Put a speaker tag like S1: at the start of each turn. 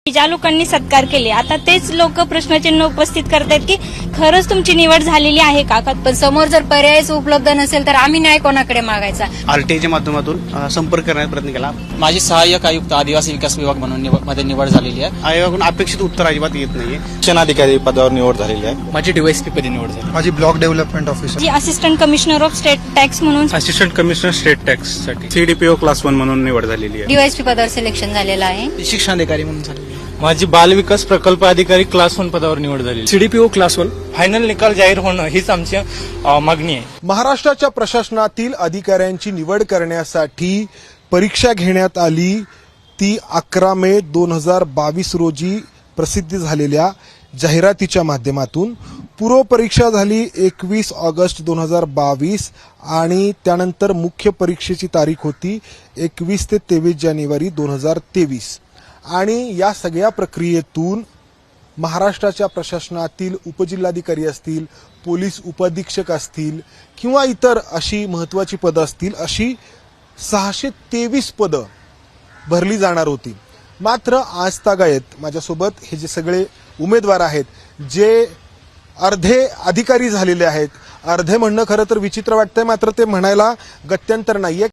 S1: ज्या लोकांनी सत्कार केले आता तेच लोक प्रश्नचिन्ह उपस्थित करतायत की खरंच तुमची निवड झालेली आहे का?
S2: पण समोर जर पर्यायच उपलब्ध नसेल तर आम्ही न्याय कोणाकडे मागायचा?
S3: आरटीआयच्या माध्यमातून संपर्क करण्याचा प्रयत्न केला.
S4: माझी सहाय्यक आयुक्त आदिवासी विकास विभाग म्हणून मध्ये निवड झालेली आहे.
S3: आयोगाकडून अपेक्षित उत्तर अजिबात येत नाहीये.
S5: शिक्षणाधिकारी पदावर निवड झालेली आहे.
S4: माझी डीवायएसपी पदी निवड झाली.
S6: माझी ब्लॉक डेव्हलपमेंट ऑफिसर,
S1: जी assistant commissioner of state tax म्हणून
S7: असिस्टंट कमिशनर स्टेट टॅक्स साठी सीडीपीओ क्लास 1 म्हणून निवड झालेली आहे.
S2: डीवायएसपी पदावर सिलेक्शन झालेलं आहे.
S4: शिक्षणाधिकारी म्हणून झालेली आहे.
S7: माझी बालविकास प्रकल्प अधिकारी क्लास 1 पदावर निवड झाली.
S8: सीडीपीओ क्लास 1 फायनल निकाल जाहीर होणं हीच आमची मागणी आहे.
S9: महाराष्ट्राच्या प्रशासनातील अधिकाऱ्यांची निवड करण्यासाठी परीक्षा घेण्यात आली. ती 11 मे 2022 रोजी प्रसिद्ध झालेल्या जाहिरातीच्या माध्यमातून. पूर्वपरीक्षा झाली 21 ऑगस्ट 2022 आणि त्यानंतर मुख्य परीक्षेची तारीख होती 21 ते 23 जानेवारी 2023. आणि या सगळ्या प्रक्रियेतून महाराष्ट्राच्या प्रशासनातील उपजिल्हाधिकारी असतील, पोलीस उपअधीक्षक असतील किंवा इतर अशी महत्त्वाची पदं असतील, अशी 623 पदं भरली जाणार होती. मात्र आज तागायत माझ्यासोबत हे जे सगळे उमेदवार आहेत, जे अर्धे अधिकारी झालेले आहेत, अर्धे म्हणणं खरं तर विचित्र वाटतंय, मात्र ते म्हणायला गत्यंतर नाहीये.